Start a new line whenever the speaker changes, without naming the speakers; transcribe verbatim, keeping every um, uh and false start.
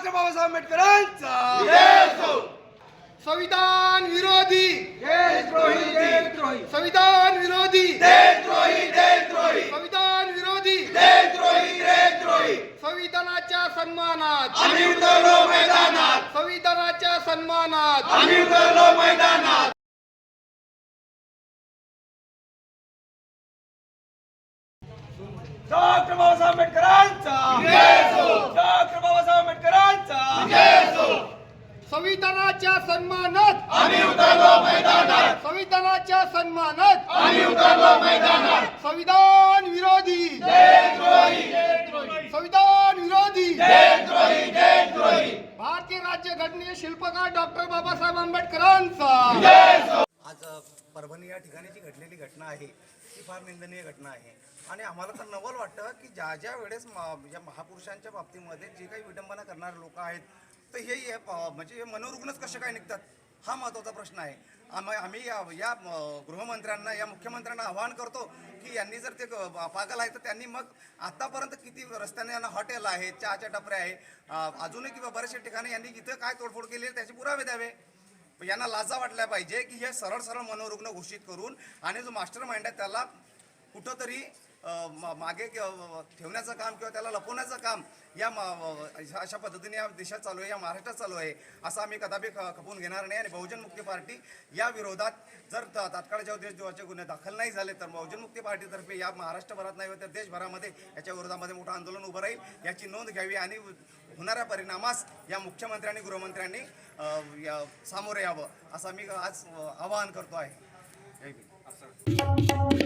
Doctor Babasaheb आंबेडकरांचा
संविधान विरोधी
देशद्रोही देशद्रोही
संविधान विरोधी
देशद्रोही देशद्रोही
संविधान विरोधी
देशद्रोही देशद्रोही
संविधानाच्या सन्मानात
आम्ही उतरलो मैदानात
संविधानाच्या सन्मानात
आम्ही उतरलो मैदानात डॉक्टर बाबासाहेब आंबेडकरांचा डॉक्टर बाबासाहेब आंबेडकरांचा
संविधानाच्या सन्मानात
आम्ही उतरलो मैदानात
संविधानाच्या सन्मानात
आम्ही उतरलो मैदानात
संविधान विरोधी
देशद्रोही
संविधान विरोधी
देशद्रोही देशद्रोही
भारतीय राज्यघटनेचे शिल्पकार डॉक्टर बाबासाहेब आंबेडकरांचा
आज परभणी या ठिकाणी जी घडलेली घटना आहे ती फार निंदनीय घटना आहे आणि आम्हाला तर नवल वाटतं की ज्या ज्या वेळेस म- या महापुरुषांच्या बाबतीमध्ये जे काही विडंबना करणारे लोक आहेत तर हे हे प- म्हणजे हे मनोरुग्णच कसे काय निघतात हा महत्त्वाचा प्रश्न आहे. आम आम्ही या या म- गृहमंत्र्यांना या मुख्यमंत्र्यांना आवाहन करतो की यांनी जर ते ग- पागल आहे तर त्यांनी मग आतापर्यंत किती रस्त्याने यांना हॉटेल आहे, चहाच्या टपऱ्या आहे, अ, अजूनही किंवा बऱ्याचशा ठिकाणी यांनी इथं काय तोडफोड केली आहे त्याचे पुरावे द्यावे. यांना लाजा वाटल्या पाहिजे की हे सरळ सरळ मनोरुग्ण घोषित करून आणि जो मास्टर माइंड आहे त्याला कुठंतरी अ, मा- मागे क- ठेवण्याचं काम किंवा त्याला लपवण्याचं काम या मा- अशा पद्धतीने या देशात चालू आहे, या महाराष्ट्रात चालू आहे असं आम्ही कदापि ख- खपवून घेणार नाही. आणि बहुजन मुक्ती पार्टी या विरोधात जर त- तात्काळ जेव्हा देशद्रोहाचे गुन्हे दाखल नाही झाले तर बहुजन मुक्ती पार्टीतर्फे या महाराष्ट्रभरात नाही तर देशभरामध्ये याच्या विरोधामध्ये मोठं आंदोलन उभं राहील. याची नोंद घ्यावी आणि होणाऱ्या परिणामास या मुख्यमंत्र्यांनी गृहमंत्र्यांनी अ, या- सामोरे यावं असं मी आज अ, आवाहन करतो आहे. जय भीम.